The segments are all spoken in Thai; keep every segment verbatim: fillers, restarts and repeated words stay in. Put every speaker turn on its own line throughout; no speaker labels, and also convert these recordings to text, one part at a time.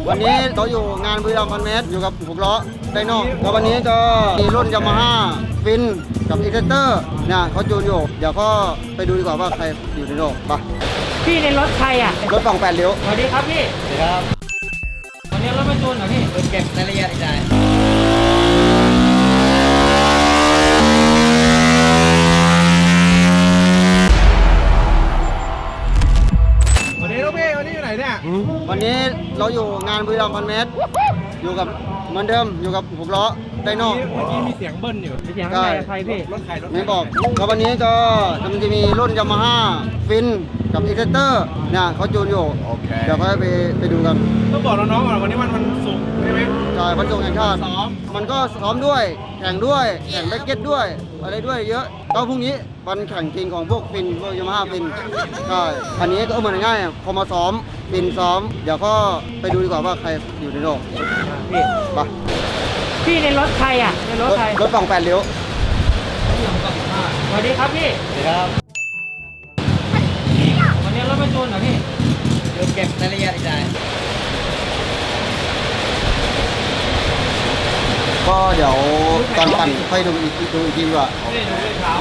วันนี้เขาอยู่งานบุรีรัมย์พันเมตรอยู่กับหกล้อไดโน่แล้ววันนี้ก็มีรุ่นยามาฮ่าฟินกับอีเทเตอร์เนี่ยเขาจูนอยู่เดี๋ยวก็ไปดูดีกว่าว่าใครอยู่ในโลกไป
พี่ในรถใครอ่ะ
รถฝั่งแปดเลี้ยว
สวัสดีครับพี่
สวัสดีครับ
วันนี้รถมาจูนเหรอพี่
เก็บรายละเอียดอีกได้
วันนี้ลูกพี่วันนี้อยู่ไหนเนี่ย
วันนี้เราอยู่งานบุรีรัมย์พันเมตรอยู่กับเหมือนเดิมอยู่กับหกล้อไดโน่
เมื่อกี้มีเสียงเบิ้ลอยู่
เสียงอะไรใครพี่
รถใครรถ
ไม่บอกแล้ววันนี้ก็มันจะมีรุ่นยามาฮ่าฟินกับอีเทเตอร์เนี่ยเขาจูนอยู่เดี๋ยวก็ไปไปดูกัน
ต้องบอกน้องๆก่อนวันนี้มันมันสุกใช่ไหม
ใช่พันจงแห่งชาติซ้อมมันก็ซ้อมด้วยแข่งด้วยแข่งแบ็กเก็ตด้วยอะไรด้วยเยอะก็พรุ่งนี้วันแข่งจริงของพวกฟินพวกยามาฮ่าฟินใช่อันนี้ก็เหมือนง่ายพอมาซ้อมฟินซ้อมเดี๋ยวก็ไปดูดีกว่าว่าใครอยู่ในโลก
พี่
ไป
พี่ในรถใครอ่ะในรถใคร
รถฝั่งแปดเลี้ยว
สวัสดีครับพี่
สวัสดีครับ
วันนี้รถมาจูนเหรอพี่
เก็บรายละเอียดอีกได้ก็เดี๋ยวตอนปั่นค่อยดูอีกดูอีกทีดีกว่า
ไม่ได้ดูด้วยเท้า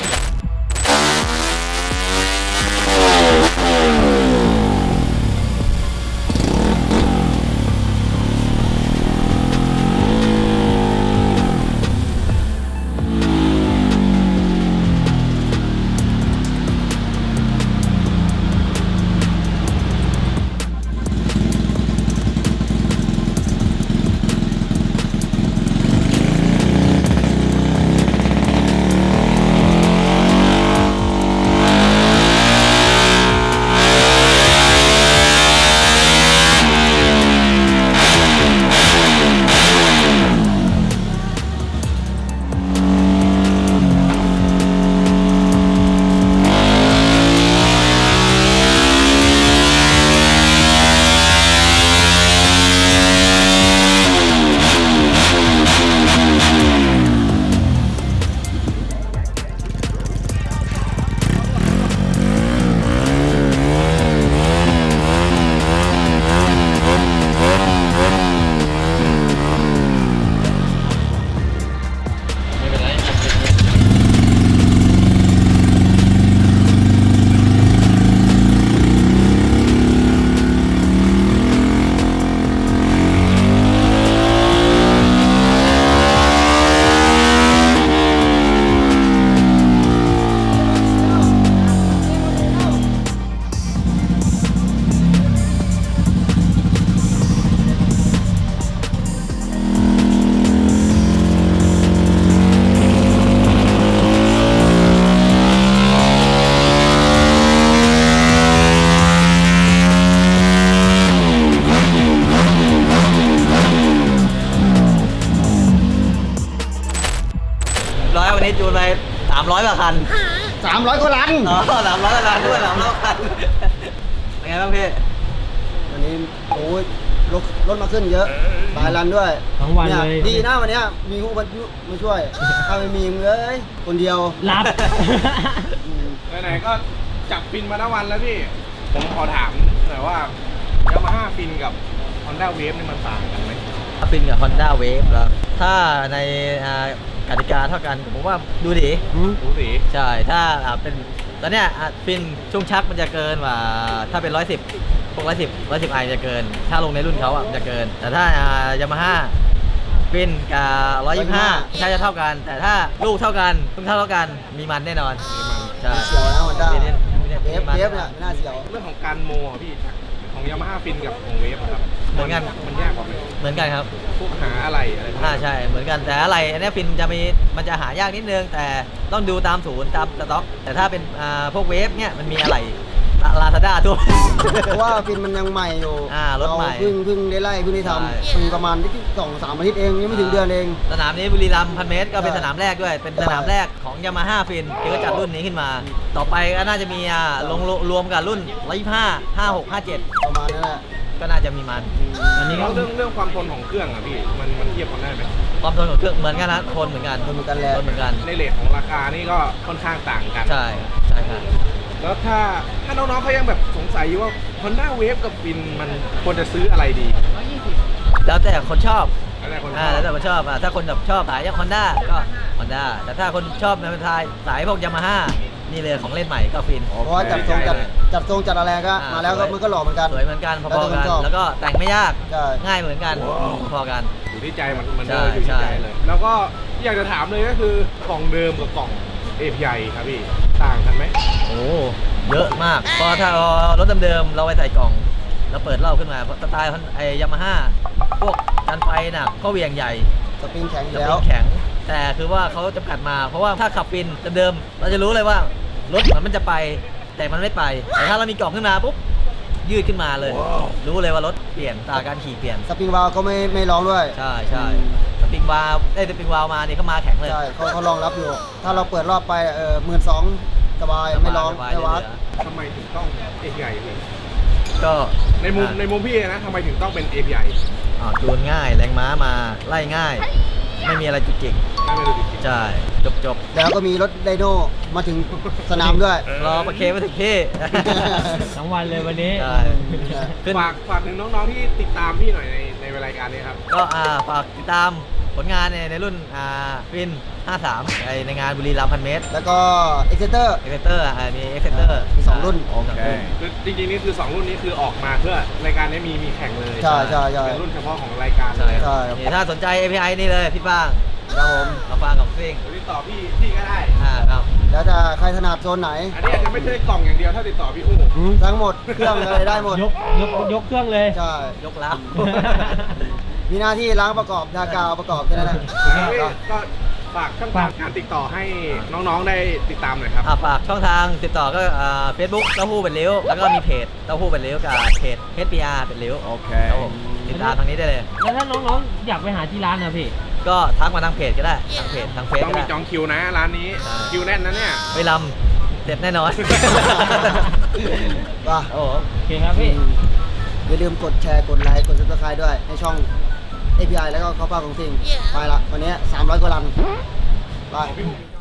นี้จูนไปสามร้อยกว่าคัน
สามร้อยกว่าลัน
อ๋อสามร้อยกว่าคันด้วยสามร้อยคันเป็นไงบ้างพี่
วันนี้โอ้ยรถรถมาขึ้นเยอะหลายลันด้วย
ทั้งวันเลย
ดีนะวันนี้มีผู้มาช่วยถ้าไม่มีมึงเลยคนเดียว
รับ
ไหนๆก็จับฟินมาทั้งวันแล้วพี่ผมขอถามหน่อยว่ายามาฮ่าฟินกับ Honda Wave นี่มันต่างกันไหม
ฟินกับ Honda Wave แล้วถ้าในกติกาเท่ากันผมว่าดูดี
ดูดี
ใช่ถ้าเป็นตอนเนี้ยฟินช่วงชักมันจะเกินกว่าถ้าเป็นร้อยสิบพวกร้อยสิบร้อยสิบไอจะเกินถ้าลงในรุ่นเขาอ่ะจะเกินแต่ถ้ายามาฮ่าฟินกับร้อยยี่สิบห้าใช่จะเท่ากันแต่ถ้าลูกเท่ากันลูกเท่าเท่ากันมีมันแน่นอน
ใช่เสียวนะมันได้เวฟเวฟเนี่ยไม่น่าเสียว
เรื่องของการโมพี่ของยามาฮ่าฟินกับของเวฟครับ
เหมือนกัน
มันยากกว่าไหม
เหมือนกันครับ
พวกหาอะไรอะไร
อ่าใช่เหมือนกันแต่อะไรอันนี้ฟินจะมีมันจะหายากนิดนึงแต่ต้องดูตามศูนย์ตามสต็อกแต่ถ้าเป็นอ่าพวกเวฟเนี่ยมันมีอะไรลาซาด้าทั่ว
เพราะว่าฟินมันยังใหม่อยู่
อ่ารถใหม่
เพิ่งเพิ่งได้ไล่เพิ่งได้ทำเพิ่งประมาณที่สองสามอาทิตย์เองยังไม่ถึงเดือนเอง
สนามนี้บุรีรัมย์พันเมตรก็เป็นสนามแรกด้วยเป็นสนามแรกของยามาฮ่าฟินที่เขาจัดรุ่นนี้ขึ้นมาต่อไปก็น่าจะมีอ่าลงรวมกับรุ่นร้อยยี่สิบห้า ห้าหก ห้าเจ็ด
ประมาณนั้นแหละ
ก็น่าจะมีมัน
อันนี้เรื่องเรื่องความทนของเครื่องอ่ะพี่มันมันเทียบกันได้ไหม
ความทนของเครื่องเหมือนกันนะทนเหมือนกัน
ทนเหมือนกันแหละ
ทนเหมือนกัน
ในเรทของราคานี่ก็ค่อนข้างต่างกัน
ใช่ใช่ครับ
แล้วถ้าถ้าน้องๆเขายังแบบสงสัยอยู่ว่า Honda Wave กับฟินมันควรจะซื้ออะไรดี
แล้วแต่คนชอบ
แล้วแต่คนช
อ่า
อบ
แล้วแต่คนชอบอ่ะถ้าคนแบบชอบสายฮอนด้าก็ฮอนด้าแต่ถ้าคนชอบในประเทศไทยสายพวกยามาฮ่านี่เลยของเล่นใหม่ก็ฟิน
เพราะว่าจัดทรงจัดจัดทรงจัดอะไรก็
อ่
มาแล้วก็
สย
มันก็หล่อเหมือนกัน
สวยเหมือนกันพ
แล้ว
อ
แต่
ๆกัน
คนชอบ
แล้วก็แต่งไม่ยาก
ใช่
ง่ายเหมือนกันพอกัน
อยู่ที่ใจมันมัน
ใช่
เดินอยู่
ใช่
ที่ใจเลย แล้วก็อยากจะถามเลยก็คือกล่องเดิมกับกล่อง เอ พี ไอ ครับพี่ต่างกันไหม
โอ้เยอะมากเพราะถ้ารถเดิมๆเราไปใส่กล่องเราเปิดรอบขึ้นมาเพราะสไตล์ไอ้ยามาฮ่าพวกกันไฟหนักก็เหวียงใหญ่
สปริงแข็งอ
จะ
ยู่แล้
เป็
วน
แข็ง แต่คือว่าเขาจำกัดมาเพราะว่าถ้าขับฟินเดิมๆเราจะรู้เลยว่ารถเหมือนมันจะไปแต่มันไม่ไป แต่ถ้าเรามีกล่องขึ้นมาปุ๊บยืดขึ้นมาเลย รู้เลยว่ารถเปลี่ยนตาการขี่เปลี่ยน
สปริงวาล์วก็ไม่ไม่ร้องด้วย
ใช่ใช่
อืม
สปริงวาล์วได้สปริงวาล์วมานี่เขามาแข็งเลย
ใช่เขาเขารองรับอยู่ ถ้าเราเปิดรอบไปเออหมื่นสองสบายไม่ร้อง
สบาย
ไม่วัด
เหลือ
ทำไมถึงต้อง เอ พี ไอ พี่
ก็
ในมุม
อ่ะ
ในมุมพี่นะทำไมถึงต้องเป็น เอ พี ไอ
อ่าจูนง่ายแรงม้ามาไล่ง่าย ไม่มีอะไรจุกจิก
ไม่ไม่รู้จริง
ใช่จบจบ
แล้วก็มีรถไดโนมาถึงสนามด้วย
รอประเคมาถึงที่
ทั้งวันเลยวันนี้
ใช่ขึ้น
ฝากฝากถึงน้องๆที่ติดตามพี่หน่อยในในรายการนี้ครับ
ก็อ่าฝากติดตามผลงานในในรุ่นอ่าฟินห้าสามในในงานบุรีรัมย์พันเมตร
แล้วก็เอ็กเซเตอร์
เอ็กเซเตอร์อ่ามีเอ็กเซเตอร์
มีสองรุ่น
คือจริงๆนี่คือสองรุ่นนี้คือออกมาเพื่อรายการนี้มีมีแข่งเลย
ใช่ใช่ใช่
เป็นรุ่นเฉพาะของรายการเล
ใช่
ย
ใช่ครับ
นี่ถ้าสนใจ เอ พี ไอ นี่เลยพี่ป้าง
ครับผม
มาฟังของซิ่ง
เดี๋ยวติดต่อพี่พี่ก็ได้
อ่าครับ
แล้วจะใครถนัดโซนไหน
อันนี้อาจจะไม่ใช่กล่องอย่างเดียวถ้าติดต่อพี่อู้
ทั้งหมดเครื่องเลยได้หมด
ยกยกยกเครื่องเลย
ใช่
ยกแล้ว
มีหน้าที่ล้างประกอบดากาวประกอบแค่นั้นแหละ
แล้วพี่ก็ฝากช่องทางการติดต่อให้น้องๆได้ติดตามหน่อยครับ
อ่าฝากช่องทางติดต่อก็อ่าเฟซบุ๊กเต้าหู้เป็นริ้ว แล้วก็มีเพจเต้าหู้เป็นริ้วกับเพจ เอช พี อาร์ เป็นริ้ว
โอเค
ครับผมติดตามทางนี้ได้เลย
แล้วถ้าน้องๆอยากไปหาที่ร้านนะพี่
ก็ทักมาทางเพจก็ได้ ทางเพจทางเฟซ
ต้อง
ก็
มี
ได้
จองคิวนะร้านนี้
ใช่
คิวแน่นนะเนี่ย
ไปลำเสร็จแน่นอน
ว่า
โอ้โห
โอเคครับพี่
อย่าลืมกดแชร์กดไลค์กดซับสไครต์ด้วยในช่อง เอ พี ไอ แล้วก็ข้าวเปล่าของสิ่งไปละวันนี้สามร้อยกว่าลันไป